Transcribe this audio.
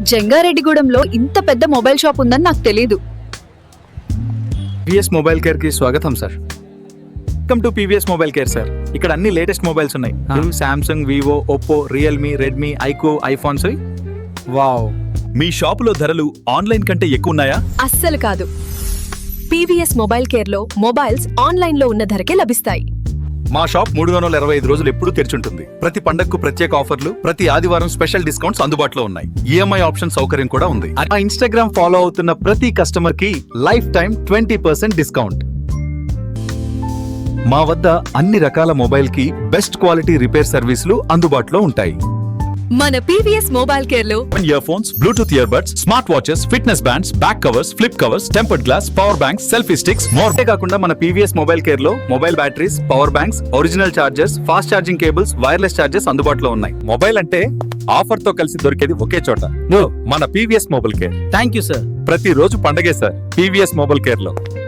జంగారెడ్డిగూడెంలో ఇంత పెద్ద mobile shop ఉందని నాకు తెలీదు. పీవీఎస్ మొబైల్ కేర్ కి స్వాగతం sir. Welcome to PVS mobile care sir. ఇక్కడ అన్ని లేటెస్ట్ మొబైల్స్ ఉన్నాయి. Samsung, Vivo, Oppo, Realme, Redmi, iQOO, iPhones. Wow, మీ షాపులో ధరలు ఆన్లైన్ కంటే ఎక్కువ ఉన్నాయా? అస్సలు కాదు. పీవీఎస్ మొబైల్ కేర్ లో మొబైల్స్ ఆన్లైన్ లో ఉన్న ధరకే లభిస్తాయి. మా షాప్ 325 రోజులు ఎప్పుడూ తెరిచుంటుంది. ప్రతి పండగకు ప్రత్యేక ఆఫర్లు, ప్రతి ఆదివారం స్పెషల్ డిస్కౌంట్స్ అందుబాటులో ఉన్నాయి. ఈఎంఐ ఆప్షన్ సౌకర్యం కూడా ఉంది. మా ఇన్స్టాగ్రామ్ ఫాలో అవుతున్న ప్రతి కస్టమర్ కి లైఫ్ టైం 20% డిస్కౌంట్. మా వద్ద అన్ని రకాల మొబైల్ కి బెస్ట్ క్వాలిటీ రిపేర్ సర్వీసులు అందుబాటులో ఉంటాయి. మన పీవీఎస్ మొబైల్ కేర్ లో earphones, bluetooth earbuds, smart watches, fitness bands, back covers, flip covers, tempered glass, power banks, selfie sticks, more. కాకుండా మన పీవీఎస్ మొబైల్ కేర్ లో mobile batteries, power banks, original chargers, fast charging cables, wireless chargers అందుబాటులో ఉన్నాయి. Mobile అంటే offer తో కలిసి దొరికేది ఒకే చోట, మన PVS mobile care. Thank you sir. ప్రతి రోజు పండగే సార్ పీవీఎస్ మొబైల్ కేర్ లో.